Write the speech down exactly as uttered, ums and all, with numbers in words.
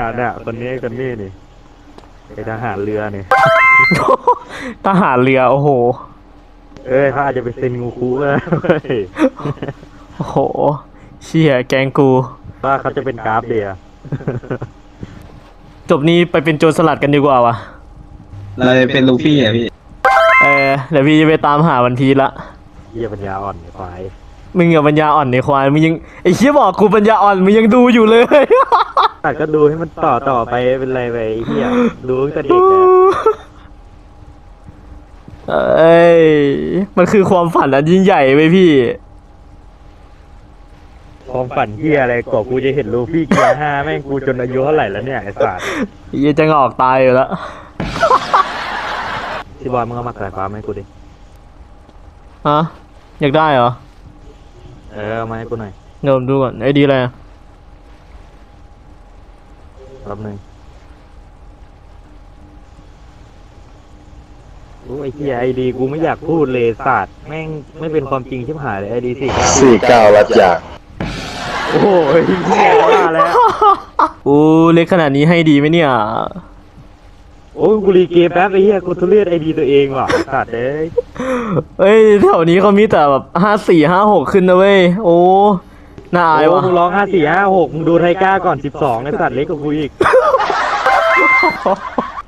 เนี่ยคนนี้คนนี้นี่ไอทหารเรือนี่ทหารเรือโอ้โหเอ้ยเขาอาจจะไปเซ็นงูคุก็ได้เว้ยโอ้โหเชี่ยแกงกูว่าเขาจะเป็นกราฟเดียจบนี้ไปเป็นโจรสลัดกันดีกว่าวะเราจะเป็นลูฟี่อ่ะพี่เออเดี๋ยวพี่จะไปตามหาวันพีชละเหี้ยปัญญาอ่อนไอ้ควายมึงอย่าปัญญาอ่อนในควายมึงยังไอ้เชี่ยบอกกูปัญญาอ่อนมึงยังดูอยู่เลยแต่ก็ดูให้มันต่อต่อไปเป็นไรไปไอ้เหี้ยดูตั้งแต่เด็กอะเอ้ยมันคือความฝันอันยิ่งใหญ่ไปพี่ความฝันเหี้ยอะไรกว่ากูจะเห็นลูฟี่เกียร์ห้าแม่งกูจนอายุเท่าไหร่แล้วเนี่ยไอ้สัสเหี้ยจะงอกตายอยู่แล้วพี่บอยมึงเอามากระฟ้ามาให้กูดิฮะอยากได้เหรอเออเอามาให้กูหน่อยเดี๋ยวผมดูก่อนไอ้ดีอะไรอะรอบหนึ่งโอ้ไอ้เหี้ยไอดีกูไม่อยากพูดเลยสัตว์แม่งไม่เป็นความจริงชิบหายเลยไอดีสี่สี่เก้ารับจากโอ้ยเหี้ยว่าแล้วอู้เล็กขนาดนี้ให้ดีไหมเนี่ยโอ้ยกูรีเกมแป๊บไอ้เหี้ยกูทุเรศไอดีตัวเองว่ะสัตว์เอ้ยเอ้ยแถวนี้เขามีแต่แบบห้าสี่ห้าหกขึ้นนะเว้ยโอ้น่าอายโอ้วะมึงร้องห้าสี่ห้าหกมึงดูไทก้าก่อนสิบสองไอ้สัตว์เล็กกว่ากูอีก